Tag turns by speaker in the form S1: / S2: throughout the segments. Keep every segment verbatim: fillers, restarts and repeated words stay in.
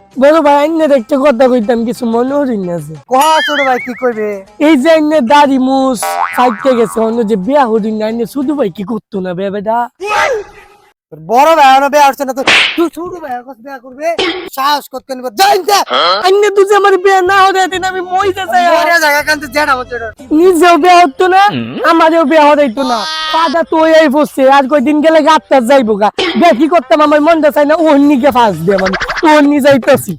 S1: বড় ভাই আইনের একটা কথা কইতাম, কিছু মনে হরিণ আছে।
S2: কহ ছোট ভাই কি করবে?
S1: এই যে আইনের দাড়ি মুছ সাইডে গেছে, অন্য যে বিয়া হরিণ না, আইনের শুধু ভাই কি করতো না বে বেটা?
S2: তোর বড় ভাই এখনো বিয়া হচ্ছে না, তো তুই ছোট ভাই এখন বিয়া করবে? সাহস করতে নিব জানতে
S1: আইনে তুই যে আমার বিয়া না হতে দিন আমি মইতে চাই।
S2: মরে জায়গা কানতে জেডা হচ্ছে এটা।
S1: নিজেও বিয়া হতো না, আমারও বিয়া হইতো না। পাদা তো এই বসছে, আর কয়দিন গেলে গাতটা যাইবো গা। বিয়া কি করতাম আমার মনটা চাই না, ওর নিকে ফাঁস দিয়ে মানে ওর নি যাইতেছি।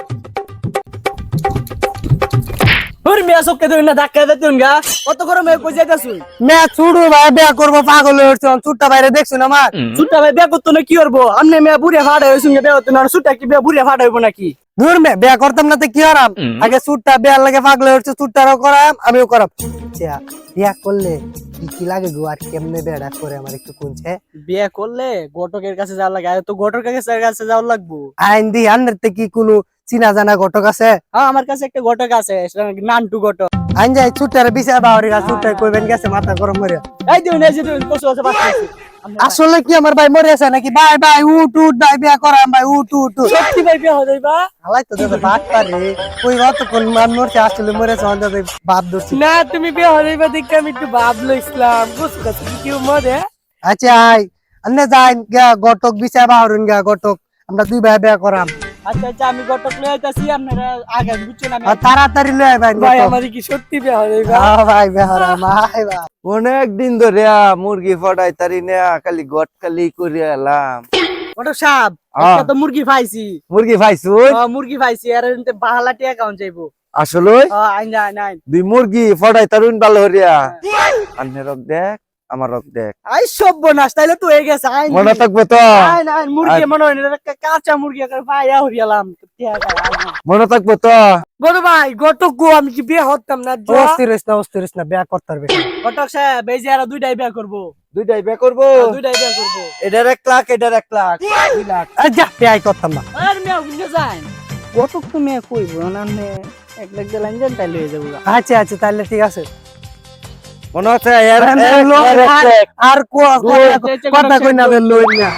S3: তোর মেয়ে সবকে তুই না ধাক্কা দে তুই গা কত করে মেয়ে কই যাইতাছুই?
S2: মেয়ে ছোট ভাই বিয়া করবো পাগল হচ্ছে, ছোটটা বাইরে দেখছো না আমার?
S3: সুটা ভাই বিয়া করতো না কি করবো? আমনে মেয়ে বুড়িয়া ফাড়া হইছুন বিয়া করতো না, সুটা কি বিয়া বুড়িয়া ফাড়া হইবো নাকি?
S2: দূর মে বিয়া করতাম না তো কি হারাম, আগে ছোটটা বিয়ার লাগে পাগল হচ্ছে, ছোটটারও করাম আমিও করাম। আচ্ছা, বিয়া করলে কি কি লাগে গো, আর কেমনে বিয়াটা করে আমার একটু কোনছে?
S3: বিয়া করলে ঘটকের কাছে যাওয়া লাগে, আর তো ঘটকের কাছে কাছে যাওয়া লাগবো।
S2: আইন দি আন্নের তে কি কোনো চিনা জানা ঘটক আছে?
S3: হ্যাঁ আমার কাছে একটা ঘটক আছে, সেটা নাকি নান্টু ঘটক।
S2: আইন যাই ছোটটারে বিচার বাহরি গা, ছোটটাই কইবেন গেছে মাথা গরম করে।
S3: এই দিন এই যে তুই কসু আছে বাচ্চা।
S2: আসলে কি আমার ভাই মরে আছে নাকি? ভাই ভাই উঠ উঠ ভাই বিয়া করাম ভাই উঠ উঠ উঠ।
S3: সত্যি ভাই বিয়া হইবা?
S2: হালাই তো দাদা বাদ পারে কই অত কোন মান মরছে, আসলে মরেছে অন্তত বাপ ধরছি।
S1: না তুমি বিয়া হইবা দেখে আমি একটু ভাবলো ইসলাম বুঝছো কথা কি মরে।
S2: আচ্ছা আই আন্নে যাই গা ঘটক বিচার বাহরুন গা ঘটক, আমরা দুই ভাই বিয়া করাম।
S3: আচ্ছা আচ্ছা আমি ঘটক লই আইতাছি, আপনারা আগে বুঝছেন আমি।
S2: আর তাড়াতাড়ি লয় ভাই
S1: ভাই
S2: ঘটক।
S1: আমার কি সত্যি বিয়া হইবা?
S2: হ্যাঁ ভাই বিয়া করাম ভাই ভাই।
S4: অনেক দিন ধরে মুরগি ফটাই তারি না, খালি গট খালি করে এলাম।
S3: ঘটক সাহেব
S4: হ্যাঁ।
S3: একটা তো মুরগি পাইছি।
S4: মুরগি পাইছু?
S3: হ্যাঁ মুরগি পাইছি, আর এনতে বাহালাটি অ্যাকাউন্ট চাইবো।
S4: আসলে
S3: হ্যাঁ আইন আইন আইন।
S4: দুই মুরগি ফটাই তারুন ভালো হরিয়া। আন্নে রক দেখ, আমার রক দেখ,
S3: আই সর্বনাশ, তাইলে তো হয়ে গেছে। আইন
S4: মনে থাকবে তো?
S3: আইন আইন মুরগি মনে হয় না, একটা কাঁচা মুরগি একটা ভাইয়া হরিয়ালাম।
S4: মনে থাকবে তো?
S1: বড় ভাই ঘটক গো, আমি কি বিয়া হতাম না? যা।
S2: অস্থির হইস না অস্থির হইস না, বিয়া করতে পারবে।
S3: ঘটক সাহেব এই যে আর দুইটাই বিয়া করবো,
S4: দুইটাই বে করবো।
S3: দুইটাই বিয়া করবো।
S4: এটার এক লাখ, এটার এক লাখ, দুই লাখ।
S2: আই যা বিয়াই করতাম না।
S3: আর মেয়ে বুঝে যান ঘটক তো মেয়ে কইবো না, এক লাখ দিয়ে লাইন যান তাইলে হয়ে যাবো।
S2: আচ্ছা আচ্ছা তাহলে ঠিক আছে।
S4: মনে হচ্ছে এর এক, এর এক
S2: আর-
S4: লাখ।
S2: আর কো- কথা- কথা কই না বের লই না।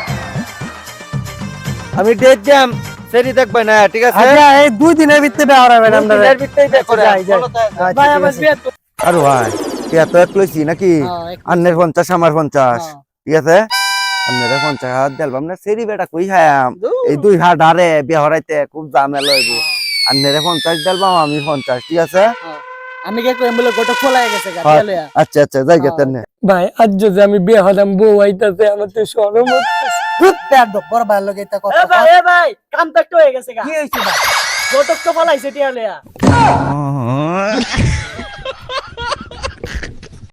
S4: আমি ডেট দিলাম, সেরি দেখবে না, ঠিক আছে?
S2: আচ্ছা এই দুই দিনের ভিতরে বিয়া হরাবেন আমরা।
S4: দিনের ভিতরেই বে করে।
S2: যাই, যাই।
S4: বলো তো।
S2: আচ্ছা,
S3: ভাই
S2: ঠিক
S3: আমার
S2: আছে।
S3: বিয়া তো
S4: আর ভাই টিয়া তো এক লইছি নাকি?
S3: হ্যাঁ, এক
S4: আন্নের পঞ্চাশ আমার পঞ্চাশ,
S3: হ্যাঁ।
S4: ঠিক আছে? আন্নের পঞ্চাশ হাত দিলাম না, সেরি বেটা কই খায়াম?
S3: দূর।
S4: এই দুই হাট হারে বিয়া হরাইতে খুব ঝামেলা হইব। আন্নের পঞ্চাশ দিলাম, আমি পঞ্চাশ, ঠিক আছে?
S3: হ্যাঁ। আমি কে কই বলে ঘটক খোলা গেছে গা
S4: হ্যাঁ।
S3: তাহলে।
S4: আচ্ছা আচ্ছা যাই গেতেন না।
S1: ভাই আজ যদি আমি বিয়া হতাম বউ আইতাছে, আমার তো শরম হচ্ছে।
S2: ধুত, পেট দো, বড় ভাইয়ের লগে এটা
S3: এ
S2: কথা
S3: ভাই এ ভাই কাম তো একটু হয়ে গেছে গা।
S2: কি হইছে ভাই?
S3: ঘটক তো ফলাইছে টিয়া লইয়া।